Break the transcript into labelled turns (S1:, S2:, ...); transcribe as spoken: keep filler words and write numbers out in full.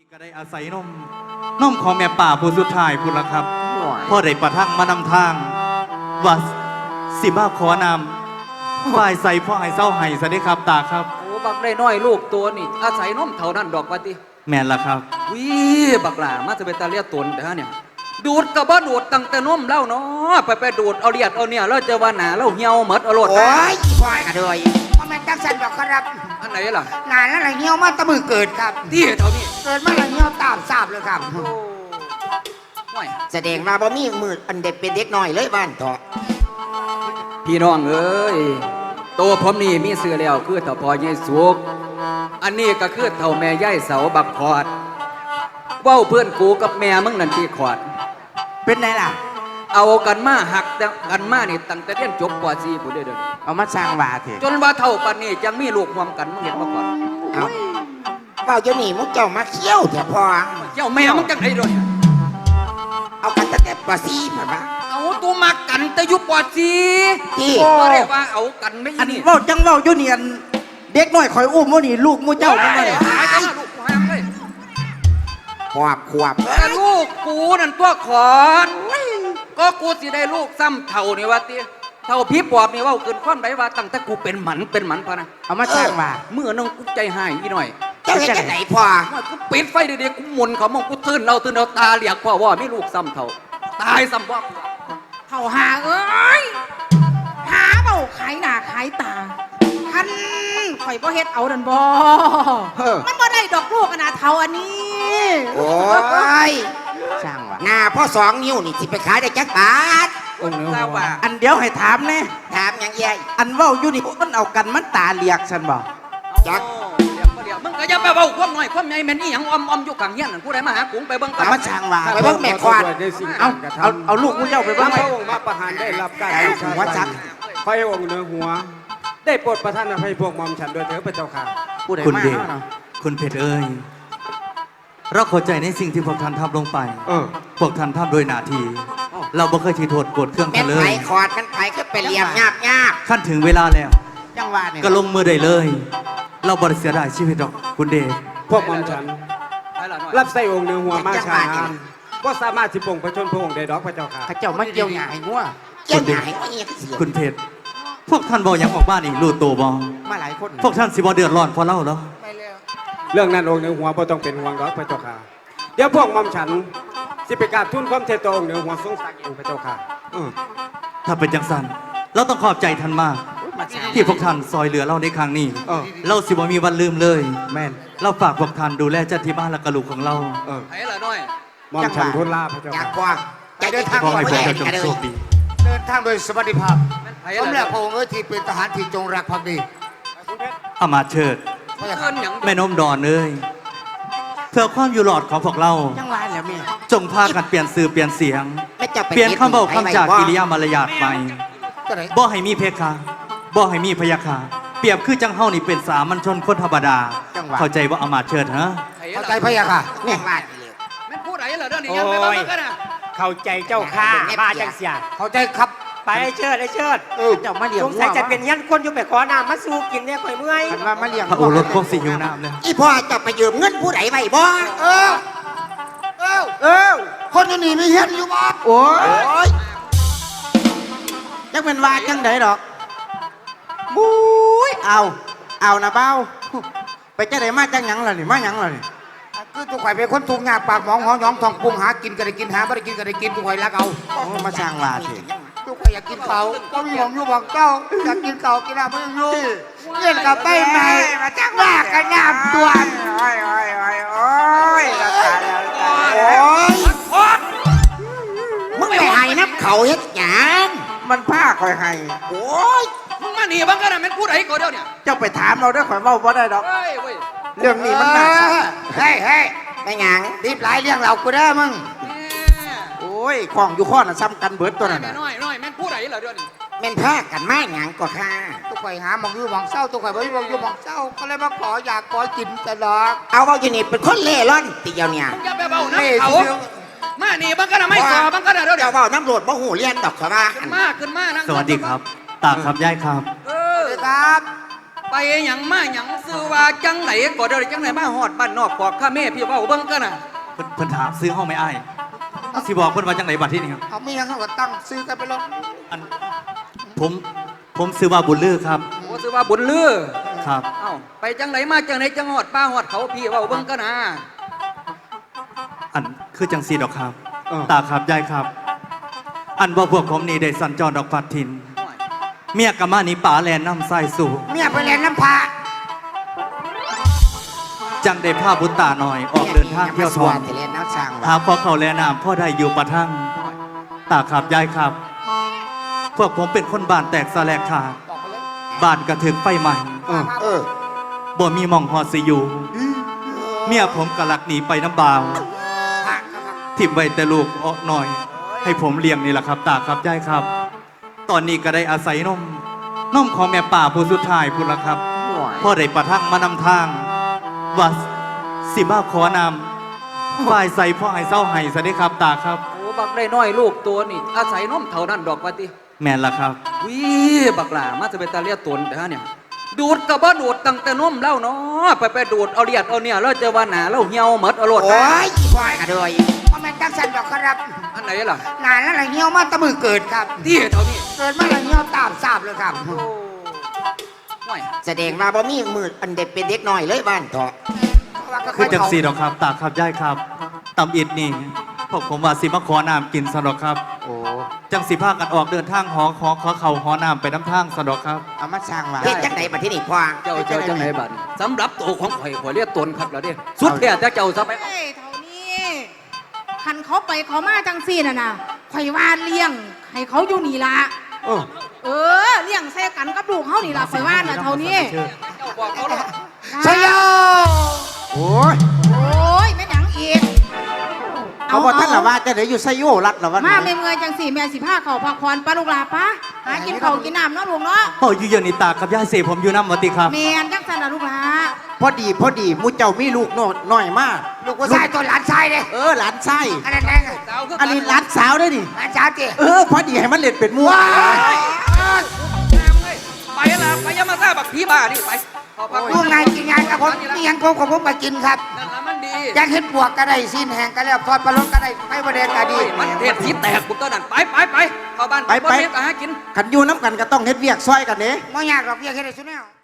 S1: ก็ได้อาศัยนมนมของแม่ป่าผู้สุดท้ายพุ่นละครับพ่อได้ประทังมานำทางว่าสิบ้าขอนำฝ่ายใส่พ่อให้เศร้าให้ซะได้ครับตาครับ
S2: โอ้บักได้น้อยลูกตัวนี่อาศัยนมเท่านั้นดอกว่าติ
S1: แม่นละครับ
S2: วิบักหล่ามาจะเป็นตาเลียตนเด้อเนี่ยดูดกับบ่ดูดตั้งแต่นมเล่าเนาะไปไปดูดเอาเลียดเอาเนี่ยเราจะว่าหนาเราเหี่ยวหมดเอาโลด
S3: โอ้ยควายกันเลยว่าแม่จังสันดอกครับ
S2: อันไหนล่ะ
S3: งานอะไรเหี่ยวมาตะมือเกิดครับ
S2: ที่เท่านี้
S3: เกิดมาอะไรเหี่ยวตามทราบเลยครับแสดงมาบ่มีมืออันเด็กเป็นเด็กน้อยเลยบ้านต่อ
S2: พี่น้องเอ้ยโตผมนี่มีเสือแล้วคือเต่าพอเยสุกอันนี้ก็คือเต่าแม่ย่ายเสาบักขอดเว้าเพื่อนกูกับแม่มึงนั่นที่ขอด
S3: เป็นไงล่ะ
S2: เอากันมาหักกันมานี่ตั้งแต่เรียนจบกว่าสี่ผู้เดิน
S3: เอามาสร้างบาเถ
S2: จนว่าเท่าปันนี้ยังมีลูกรวมกันมึงเห็นมาก่อน
S3: เอาเฝ้าเจ้าหนี่มุกเจ้ามาเขี้ยวเถอะพ่อ
S2: เจ้าแม่มึงจังไงด้วย
S3: เอากันตั้งแต่กว่าสี่ผ่านมา
S2: เอาตัวมากันแต่ยุบกว่าสี่
S3: ที่
S2: ก็เรียกว่าเอากันไม่
S4: อันนี้ว่าจังว่าอยู่นี่เด็กน้อยคอยอุ้มว่านี่ลูกมูเจ้าไม่ได้
S2: หายกันลูกหายเลย
S3: ขวบขวบ
S2: แต่ลูกกูนั่นตัวขอนก็กูสิได้ลูกซ้ำเท่านี่ว่าตีเท่าพี่ปอบนี่ว่าเกินความใดว่าตั้งแต่กูเป็นหมันเป็นหมันพอนะ
S4: เอามาสร้างมา
S2: เมื่อน้องกูใจหายอีหน่อย
S3: เจ้าเห็นจังไหนพ่อ
S2: ว่ากูปิดไฟเด็กๆกูหมุนเขามองกูตื่นเราตื่นเราตาเหลียกพ่อว่าไม่ลูกซ้ำเท่าตายซ้ำว่า
S5: เท่าหาเอ้ยหาเบาขายหน้าขายตาท่านข่อยบ่เฮ็ดเอาดันบ่มันบ่ได้ดอกลูกขนาดเท่าอันนี้
S3: โอ้ยช่างว่ะหน้าพ่อสองนิ้วนี่สิไปขายได้จักบาท
S4: อันเดียวให้ถามแน่
S3: ถามยังไง
S4: อันว่าอยู่นี่มันเอากันมันตาเลียกฉันบอก
S3: จัก
S2: เลียกเลียกมึงก็อย่าไปเบาความน้อยความใหญ่แม่นี่ยังอมอมอยู่กลางเฮียนนั่นผู้ใดมาหากุ้งไปเบิ่ง
S4: กันมาช่างว่า
S3: ไปเบิ่งแม่ควาน
S4: เอาเอาเอาลูกมูเจ้าไปเบิ่ง
S6: พระองค์มาประหารได้รับการ
S3: หัวจัก
S6: พระองค์เหนือหัวได้โปรดประทานอภัยพวกมอมฉันโดยเถิดพระเจ้าค่ะ
S1: คุณเดชคุณเพชรเอ้ยเราเข้าใจในสิ่งที่พวกท่านทำลงไปพวกท่านทำโดยหน้าที่เราบ่เคยทีโทษโกรธเครื่องกันเลย
S3: แม่ไผ่ขอดมันไผ่ก็เป็นเหลี่ยมยาบยาบ
S1: ขั้นถึงเวลาแล้ว
S3: จังหวะเนี่ย
S1: ก็ลงมือได้เลยเราบริเสียดายชีวิตหรอกคุณเดช
S6: พวกมอมฉันรับใส่องค์เหนือหัวมาช้านานก็สามารถสิปงพระชนพระองค์ได้ดอกพระเจ้าค่ะ
S4: ข้าเจ้ามาเกี่ยวหยาให้งัว
S3: เกี่ยวหยาให้งัวเอียเสีย
S1: คุณเพชรพวกท่านบอกอย่างออกบ้านอีกรู้ตัวบอ
S4: มาหลายคน
S1: พวกท่านสิบอเดือดร้อนเพราะเล่าเหรอ
S6: เรื่องนั้นองค์เหนือหัวบ่ต้องเป็นห่วงดอกพระเจ้าค่ะเดี๋ยวพวกมอมฉันสิไปกราบทูลความเทตองเหนือหัวทรงศักดิ์เองพระเจ้าค่ะ
S1: ถ้าเป็นจังสันเราต้องขอบใจท่านมากที่พวกท่านซอยเหลือเราในครั้งนี้เราสิบ่มีวันลืมเลย
S4: แม่น
S1: เราฝากพวกท่านดูแลเจ้าที่บ้านและกระลูกของเรา
S2: ไอ้ละน้อย
S6: มอมฉันทูลลาพระเจ้า
S3: อยากกว่าจะเดินทาง
S1: ขอให้พวกเจ้าจงโชคดี
S7: เดินทางโดยสวัสดิภาพสมเด็จพระองค์เอ๋ยที่เป็นทหารที่จงรักภักดี
S1: อามาเชิดแม่นมดอนเอ้ยเพื่อความอยู่หลอดของพวกเรา
S4: จังหวะแล้วแม่
S1: จงพากันเปลี่ยนสื่อเปลี่ยนเสียงเปลี่ยนคำบอกคำจากกิริยามารยาทใหม่บ่ให้มีเพคะบ่ให้มีพยาคาเปรียบคือจังเฮานี่เป็นสามัญชนคนธรรมดาเข้าใจว่าอามาเชิดฮะ
S7: เข้าใจพยาค่ะ
S3: แม่บ้าน
S2: แม่พูดอะไรเหรอเรื่องนี้ยังไม่บ้ากันนะ
S6: เข้าใจเจ้าข้าบ้าจังเสีย
S7: เข้าใจครับ
S6: ไปเชิดไอ้เชิด
S4: เจ้ามาเลี้ยง
S6: สงสัยจะเป็นยันคนอยู่ไปขอน้ำมาสู้กินเนี่ยข่อยเมื่อย
S4: มันว่ามาเลี้ยง
S1: พระโอรสคงสิหิวน้ำเลย
S3: อีพ่อจะไปยืมเงินผู้ใดไว้บ่
S7: เออเออเออคนอยู่นี่มีเฮ็ดอยู่บ่
S4: โอ้ยจังเป็นว่าจังไดดอกบุ้ยเอาเอานะเบ้าไปจะได้มาจังหยังล่ะนี่มาหยังล่ะนี่
S7: คือตัวข่อยเป็นคนทุกข์ยากปากหมองหอหยองทองปรุงหากินก็ได้กินหาไม่ได้กินก็ได้กินตัวข่อยรักเอา
S4: โอ้มาสร้างว่าสิ
S7: ตัวข่อยอยากกินเขาก็มีหอมอยู่บอกเจ้าอยากกินเขากินอะไรไม่รู้เล่นกับไปไหนมาจังว่ากันยามตัว
S4: โอ้ยโอ้ยโอ้ยโอ้ยตายแล้วตาย
S3: โอ้ยมึงไปให้นับเขาเฮ็ดหยัง
S4: มันผ้าคอยให้
S3: โอ้ย
S2: มึงมาหนีบ้างกันนะแม่พูดอะไรก็เดี๋ยวเนี่ย
S4: เจ้าไปถามเราด้วยข่อยเว้าบ่ได้ดอกเรื่องนี้มันหนัก
S3: เฮ้ยเฮ้ยไม่หยัง
S7: รีบหลายเรื่องเรากูได้มึง
S4: โอ้ยของอยู่ข้อน่ะซ้ำกันเบิดตัวนั้น
S2: น้อยน้อยแม่พูดอะไรเหรอเดี๋ยวนี้
S3: แม่นผ้ากันไม่หยังก็ค่ะ
S7: ตัวข่อยหาหมองอยู่หมองเศร้าตัวข่อยไม่มองอยู่หมองเศร้าก็เลยมาขออยากขอกินตลอด
S3: เอาเอาอยู่นี่เป็นคนเล่ร่อนตีเดียวเนี่ย
S2: อย่าไปเบาน้ำเขามาหนีบ้างกันนะไม่ขอบ้างกันนะเดี๋ยว
S3: เดี๋ยวเบาน้ำโหลดบ่หูเลี้ยนดอกชาวบ้าน
S2: ขึ้นมาขึ้นมา
S1: สวัสดีครับตาครับยายครับ
S7: เออครับ
S2: ไปหยังมาหยังซื้อว่าจังไหนก็เดี๋ยวจังไหนมาฮอดบ้านนอกปอกข้าแม่พี่เว้าเบิ่งกันน่ะ
S1: เพิ่นเพิ่นถามซื้อห้องไม่อ้ายสิบอกเพิ่นว่าจังไหนบัดที่นี่ครับ
S7: เอาไม่ยังเขาก็ตั้งซื้อกันไปแล้ว
S1: อันผมผมซื้อว่าบุญลือครับ
S2: โอ้ซื้อว่าบุญลือ
S1: ครับ
S2: เอ้าไปจังไหนมาจังไหนจังฮอดป้าฮอดเขาพี่เว้าเบิ่งกันน่ะ
S1: อันคือจังสีดอกครับ ตาครับยายครับ อันว่าพวกผมนี่ได้สัญจรดอกพัดทิน เมียกะมานี่ป่าแลนน้ำทรายสู่
S7: เมียไปเรียนน้ำพา
S1: จังได้พาบุตรตาหน่อยออกเดินทางเที่ยวทอง
S3: จะเล่นน้ำช่าง
S1: หาพ่อเขาแลน้ำพ่อได้อยู่ประทังตาครับยายครับ พวกผมเป็นคนบ้านแตกสแลกขาดบ้านกระถึกไฟใหม่
S7: เออเออ
S1: บ่มีหมองหอดสิอยู่ เมียผมกะลักหนีไปน้ำบาวทิมไว้แต่ลูกออกหน่อย ให้ผมเลี้ยงนี่แหละครับ ตาครับยายครับ ตอนนี้ก็ได้อาศัยนมนมของแม่ป่าผู้สุดท้ายพุ่นละครับพ่อได้ประทังมานำทางว่าสิมาขอนำฝ่ายใส่พ่อให้เศร้าให้ซะได้ครับตาครับ
S2: โอ้บักได้น้อยลูกตัวนี่อาศัยนมเท่านั้นดอกว่าติ
S1: แม่นละครับ
S2: วิบักหล่ามาจะเป็นตาเลียตนแต่ฮะเนี่ยดูดก็บ่ดูดตั้งแต่นมเล่าเนาะไปไปดูดเอาเลียดเอาเนี่ยแล้วจะว่าหนาแล้วเหี่ยวหมดเอาโลด
S7: โอ้ยอีควายกระโดยพ่อแม่จังสันดอกครับ
S2: อันไหนล่ะ
S7: นานแล้วอะไรเงี้ยวมาตะมือเกิดครับ
S2: ที่เท่านี้
S7: เกิดมาอะไรเงี้ยวตามทราบเลยครับ
S2: โอ้ห่วย
S3: แสดงมาบ่มีมืออันเด็กเป็นเด็กน้อยเลยบ้านเถาะ
S1: คือจังสีดอกครับตาครับยายครับตำอิดนี่พวกผมว่าสิมาขอน้ำกินสะดอกครับ
S3: โอ้
S1: จังสีพากันออกเดินทางหอขอขอเข่าหอน้ำไปน้ำทางสะดอกครับ
S3: เอามาช่างว่าเฮ็ดจังไหนบัดที่นี่พ่อ
S2: เจ้าเจ้าจังไหนบัดนี้สำหรับตัวของข่อยข่อยเรียกตนครับแล้วเด้สุดแท้แต่เจ้าซะไป
S5: เฮ้ยเท่านี้คันเขาไปเขามาจังซี่น่ะนะข่อยว่าเลี้ยงให้เขาอยู่นี่ละ
S7: เออ
S5: เออเลี้ยงใส่กันกับลูกเขานี่ละข่อยว่าน่ะเท่านี้
S2: เจ้าบอกเขาหรอก
S7: ชยโยโอ้ย
S5: โอ้ยแม่หยังอีก
S4: เขาบอกท่านละว่าจะเดี๋ยวอยู่ไซโยรัดละวัน
S5: มาเมื่อยจังสี่แม่สิผ้าเขาพักผ่อนปลาลูกหลาปะหากินเขาวกินน้ำเนาะลูกเนาะ
S1: พ่ออยู่เยอะนี่ตาครับยายเสผมอยู่น้ำวัติครับ
S5: แมนจังสันละลูกหลา
S4: พอดีพอดีมูเจ้ามีลูกน้อยน้อยมาก
S7: ลูกผู้ชายตัวหลานชายเลย
S4: เออหลานไส้
S7: อันนั้นแดง
S2: สาวคือ
S4: อันนี้หลานสาวได้ดิ
S7: หลานชายเจ๊
S4: เออพอดีให้มันเล่นเป็นมัว
S2: ไปละไปยามาซ่าบักผีบ้านี่ไปเอาพัก
S7: ลูกนายกินงานกับผมนี่ยังผมของผมไปกินครับ
S2: นั่นละมันดี
S7: อยากเห็นบวกก็ได้สิ้นแหงก็แล้วทอดปลาล้นก็ได้ไม่ประเด็นก็ดี
S2: มันเทศสีแตกกูตัวนั้นไปไปไปเข้าบ้านบ่เฮ็ดอาหารกิน
S4: ขันอยู่น้ำกันก็ต้องเฮ็ดเวียกซอยกันเด้
S7: ไม่ยากหรอกอยากเห็นได้สุดแนว